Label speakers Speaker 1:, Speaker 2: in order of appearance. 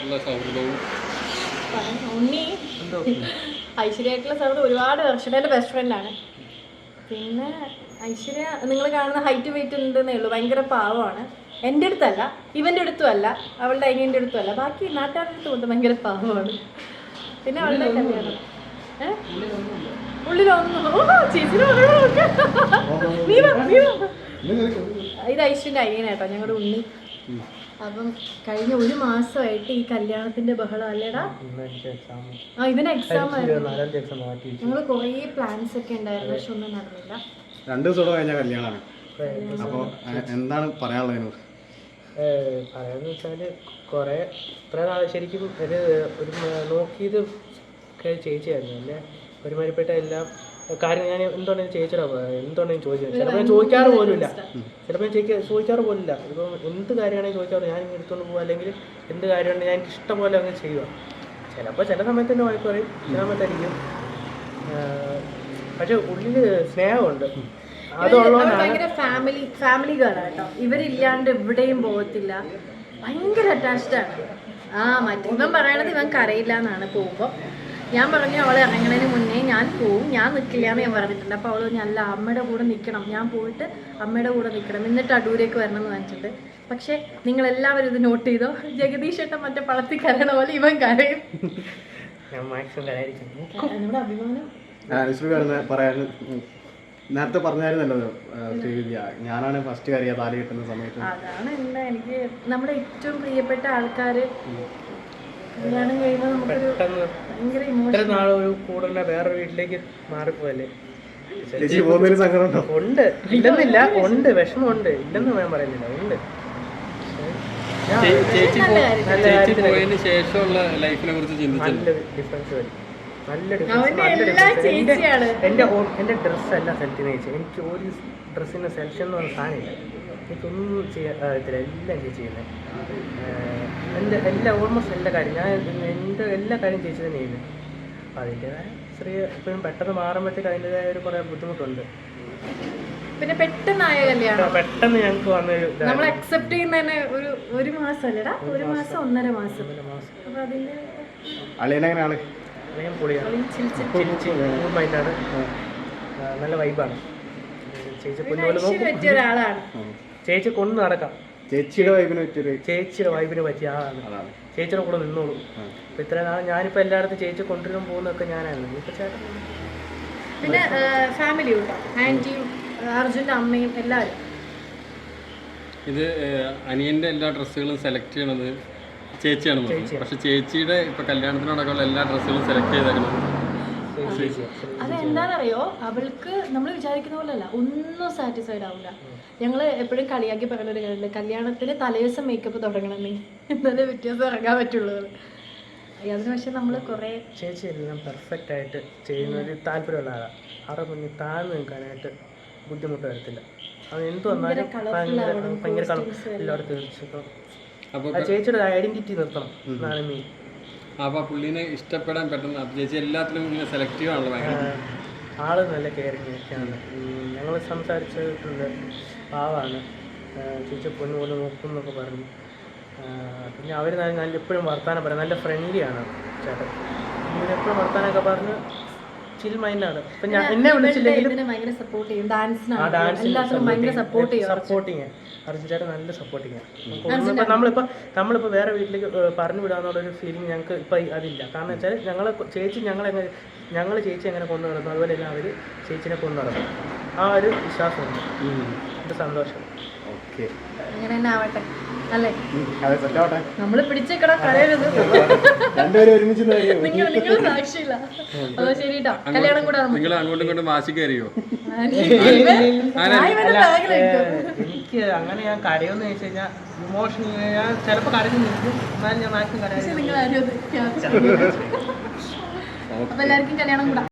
Speaker 1: ഐശ്വര്യമായിട്ടുള്ള സൗഹൃദവും
Speaker 2: ഉണ്ണി ഐശ്വര്യമായിട്ടുള്ള സൗഹൃദം ഒരുപാട് വർഷം എൻ്റെ ബെസ്റ്റ് ഫ്രണ്ടാണ്. പിന്നെ ഐശ്വര്യ നിങ്ങൾ കാണുന്ന ഹൈറ്റ് വെയിറ്റ് ഉണ്ടെന്നേ ഉള്ളൂ, ഭയങ്കര പാവമാണ്. എൻ്റെ അടുത്തല്ല, ഇവൻ്റെ അടുത്തും അല്ല, അവളുടെ അനിയൻ്റെ അടുത്തും അല്ല, ബാക്കി നാട്ടുകാരുടെ അടുത്ത് കൊണ്ട് ഭയങ്കര പാവമാണ്. പിന്നെ അവളുടെ കല്യാണം ഉള്ളിലൊന്നും ഇത് ഐശ്വര്യൻ്റെ അനിയനാട്ടോ ഞങ്ങളുടെ ഉണ്ണി. അപ്പം കഴിഞ്ഞ ഒരു മാസമായിട്ട് ഈ കല്യാണത്തിന്റെ ബഹളം അല്ലേടാ. ഇവന് എക്സാം ആയിരുന്നു, ഞങ്ങൾ കുറേ പ്ലാൻസ് ഒക്കെ ഉണ്ടായിരുന്നു, പക്ഷെ ഒന്നും നടന്നില്ല.
Speaker 3: 2 ദിവസം കഴിഞ്ഞ കല്യാണമാണ്. അപ്പോൾ എന്താണ് പറയാനുള്ളത്?
Speaker 4: പറയാന്ന് വെച്ചാല് കുറെ ഇത്ര നാൾ ശരിക്കും ഒരു നോക്കിയത് ചേച്ചിയായിരുന്നു. എന്നെ ഒരുമാതിരിപ്പെട്ട എല്ലാം കാര്യം ഞാൻ എന്തുകൊണ്ടെങ്കിലും എന്തുകൊണ്ടെങ്കിലും ചോദിച്ചു. ചിലപ്പോൾ ഞാൻ ചോദിക്കാറ് പോലുമില്ല, ചോദിക്കാറ് പോലില്ല. ഇപ്പം എന്ത് കാര്യമാണെങ്കിൽ ചോദിക്കാറ് ഞാൻ എടുത്തുകൊണ്ട് പോകുക, അല്ലെങ്കിൽ എന്ത് കാര്യമാണെങ്കിൽ ഞാൻ ഇഷ്ടം പോലെ അങ്ങ് ചെയ്യുക. ചിലപ്പോൾ ചില സമയത്ത് തന്നെ വഴക്ക് പറയും, ചില സമയത്തായിരിക്കും. പക്ഷെ ഉള്ളിൽ സ്നേഹമുണ്ട്.
Speaker 2: ഭയങ്കര ഫാമിലി ഗേൾ കേട്ടോ. ഇവരില്ലാണ്ട് എവിടെയും പോകത്തില്ല, ഭയങ്കര അറ്റാച്ച്ഡ് ആണ്. ഇവൻ പറയണത് ഇവൻ കരയില്ല എന്നാണ് പോകുമ്പോൾ. ഞാൻ പറഞ്ഞു അവളെ ഇറങ്ങുന്നതിന് മുന്നേ ഞാൻ പോവും, ഞാൻ നിൽക്കില്ല എന്ന് ഞാൻ പറഞ്ഞിട്ടുണ്ട്. അപ്പോൾ അവൾ അല്ല, അമ്മയുടെ കൂടെ നിൽക്കണം, ഞാൻ പോയിട്ട് അമ്മയുടെ കൂടെ നിൽക്കണം, എന്നിട്ട് അടൂരേക്ക് വരണം എന്ന് പറഞ്ഞിട്ടുണ്ട്. പക്ഷേ നിങ്ങളെല്ലാവരും ഇത് നോട്ട് ചെയ്തോ, ജഗദീഷ് ഏട്ടൻ മറ്റേ പളത്തിൽ കരയണ പോലെ ഇവൻ കരയും. നമ്മുടെ അഭിമാനം
Speaker 3: പറയാൻ നേരത്തെ പറഞ്ഞായിരുന്നല്ലോ, ഞാനാണ് ഫസ്റ്റ് കയറിയ താലി കിട്ടുന്ന സമയത്ത്.
Speaker 2: അതാണ് എനിക്ക് നമ്മുടെ ഏറ്റവും പ്രിയപ്പെട്ട ആൾക്കാർ കല്യാണം കഴിയുമ്പോൾ നമുക്കൊരു ഭയങ്കര ഇമോഷൻ.
Speaker 4: ഒരു കൂടുതൽ വേറെ വീട്ടിലേക്ക് മാറിപ്പോയല്ലേ.
Speaker 3: ഉണ്ട്,
Speaker 4: ഇല്ലെന്നില്ല, ഉണ്ട്, വിഷമമുണ്ട്, ഇല്ലെന്ന് ഞാൻ പറയുന്നില്ല, ഉണ്ട്.
Speaker 1: പോയതിന് ശേഷമുള്ള ലൈഫിനെ കുറിച്ച്
Speaker 4: നല്ല ഡിഫറൻസ് വരും, നല്ല ഡിഫറൻസ്. എൻ്റെ ഡ്രസ്സെല്ലാം സെലക്ട് ചെയ്യുന്ന ചേച്ചി. എനിക്ക് ഒരു ഡ്രസ്സിൻ്റെ സെലക്ഷൻ എന്ന് പറഞ്ഞ സാധനമില്ല, എനിക്കൊന്നും ചെയ്യാൻ അറിയത്തില്ല, എല്ലാം ചേച്ചി ചെയ്യുന്നത്. എൻ്റെ ഓൾമോസ്റ്റ് എല്ലാ കാര്യം എൻ്റെ എല്ലാ കാര്യം ചേച്ചി തന്നെ ചെയ്യുന്നത്. അപ്പം അതിൻ്റെതായ ഇപ്പോഴും പെട്ടെന്ന് മാറുമ്പോഴത്തേക്ക് അതിൻ്റെതായ ഒരു കുറേ ബുദ്ധിമുട്ടുണ്ട്.
Speaker 2: പിന്നെ പെട്ടെന്നായ കല്യാണം
Speaker 4: പെട്ടെന്ന് ഞങ്ങൾക്ക് വന്നൊരു
Speaker 2: നമ്മൾ അക്സെപ്റ്റ് ചെയ്യുന്നതന്നെ ഒരു മാസം അല്ലടാ, 1 മാസം 1.5 മാസം. അപ്പം അതിൻ്റെ
Speaker 3: അളിയനെങ്ങനെയാണ്?
Speaker 4: പൊളിയാണ്, മൈൻഡാണ്, നല്ല വൈബാണ്. ചേച്ചി
Speaker 2: ഒരാളാണ്,
Speaker 4: ചേച്ചി കൊണ്ട് നടക്കാം.
Speaker 3: ചേച്ചിയുടെ വൈബിന്
Speaker 4: പറ്റിയ ആളാണ്. ചേച്ചിയുടെ കൂടെ നിന്നോളൂ. അപ്പം ഇത്ര നാൾ ഞാനിപ്പോൾ എല്ലായിടത്തും ചേച്ചി കൊണ്ടുവരും പോകുന്നതൊക്കെ ഞാനായിരുന്നു. ഇപ്പം ചേട്ടൻ
Speaker 2: പിന്നെ ഫാമിലി ഉണ്ടോ, ആൻറ്റിയും അർജുൻ്റെ അമ്മയും എല്ലാവരും.
Speaker 1: ഇത് അനിയൻ്റെ എല്ലാ ഡ്രസ്സുകളും സെലക്ട് ചെയ്യണത് ചേച്ചിയാണ്. പക്ഷെ ചേച്ചിയുടെ ഇപ്പൊ കല്യാണത്തിനോടൊക്കെയുള്ള എല്ലാ ഡ്രസ്സുകളും സെലക്ട് ചെയ്തേക്കുന്നത്
Speaker 2: അതെന്താണെന്നറിയോ, അവൾക്ക് നമ്മൾ വിചാരിക്കുന്ന പോലെ അല്ല, ഒന്നും സാറ്റിസ്ഫൈഡ് ആവില്ല. ഞങ്ങൾ എപ്പോഴും കളിയാക്കി പറയുന്ന ഒരു കാര്യമുണ്ട്, കല്യാണത്തിന് തലേദിവസം മേക്കപ്പ് തുടങ്ങണം, നീ എന്നാലേ വ്യത്യാസം ഇറങ്ങാൻ പറ്റുള്ളൂ. അതിന് പക്ഷെ നമ്മൾ കുറേ
Speaker 4: ചേച്ചി എല്ലാം പെർഫെക്റ്റ് ആയിട്ട് ചെയ്യുന്ന ഒരു താല്പര്യമുള്ള ആളാണ്. അവിടെ മുന്നിൽ താഴ്ന്നു നിൽക്കാനായിട്ട് ബുദ്ധിമുട്ട് വരത്തില്ല. അത് എന്ത് വന്നാലും ഭയങ്കര കളർ എല്ലാവരും തീർച്ചയായിട്ടും ചേച്ചിയുടെ ഐഡന്റിറ്റി നിർത്തണം എന്നാണ് മെയിൻ.
Speaker 1: അപ്പോൾ പുള്ളിനെ ഇഷ്ടപ്പെടാൻ പെട്ടെന്ന് ചേച്ചി എല്ലാത്തിലും ഇങ്ങനെ സെലക്റ്റീവ് ആണല്ലോ. ഭയങ്കര
Speaker 4: ആള് നല്ല കെയറിങ് ഒക്കെയാണ്. ഞങ്ങൾ സംസാരിച്ചിട്ടുണ്ട്, പാവാണ്, ചേച്ചി പൊന്നു പോലെ നോക്കും എന്നൊക്കെ പറഞ്ഞു. പിന്നെ അവർ നല്ല എപ്പോഴും വർത്താനം പറയും, നല്ല ഫ്രണ്ട്ലിയാണ് ചേട്ടൻ. എപ്പോഴും വർത്താനമൊക്കെ പറഞ്ഞ് ചിൽ മൈൻഡാണ്. ഇപ്പം ഞാൻ എന്നെ വിളിച്ചില്ലെങ്കിൽ സപ്പോർട്ടിങ് അർജുൻ ചേട്ടൻ നല്ല സപ്പോർട്ടിങ്. ഇപ്പം നമ്മളിപ്പോൾ വേറെ വീട്ടിലേക്ക് പറഞ്ഞു വിടാന്നുള്ളൊരു ഫീലിംഗ് ഞങ്ങൾക്ക് ഇപ്പം അതില്ല. കാരണം വെച്ചാൽ ഞങ്ങൾ ചേച്ചി എങ്ങനെ കൊണ്ടു നടന്നു അതുപോലെ തന്നെ അവർ ചേച്ചിനെ കൊണ്ടു നടന്നു. ആ ഒരു വിശ്വാസമുണ്ട്, എൻ്റെ സന്തോഷം.
Speaker 3: ഓക്കെ,
Speaker 2: അങ്ങനെ തന്നെ ആവട്ടെ അല്ലേ, നമ്മള് പിടിച്ചേക്കണം, കരയരുത്. നിങ്ങൾ സാക്ഷിയില്ല. അതോ ശരിട്ടോ, കല്യാണം കൂടെ
Speaker 1: നിങ്ങൾ അങ്ങോട്ടും ഇങ്ങോട്ടും വാശി കയറിയോ?
Speaker 4: എനിക്ക് അങ്ങനെ ഞാൻ കരയോന്ന് ചോദിച്ചു കഴിഞ്ഞാൽ ഇമോഷൻ ഞാൻ ചിലപ്പോൾ കരഞ്ഞു നിൽക്കും, എന്നാലും ഞാൻ മാക്സിമം കരയാൻ.
Speaker 2: അപ്പൊ എല്ലാവർക്കും കല്യാണം കൂടാ.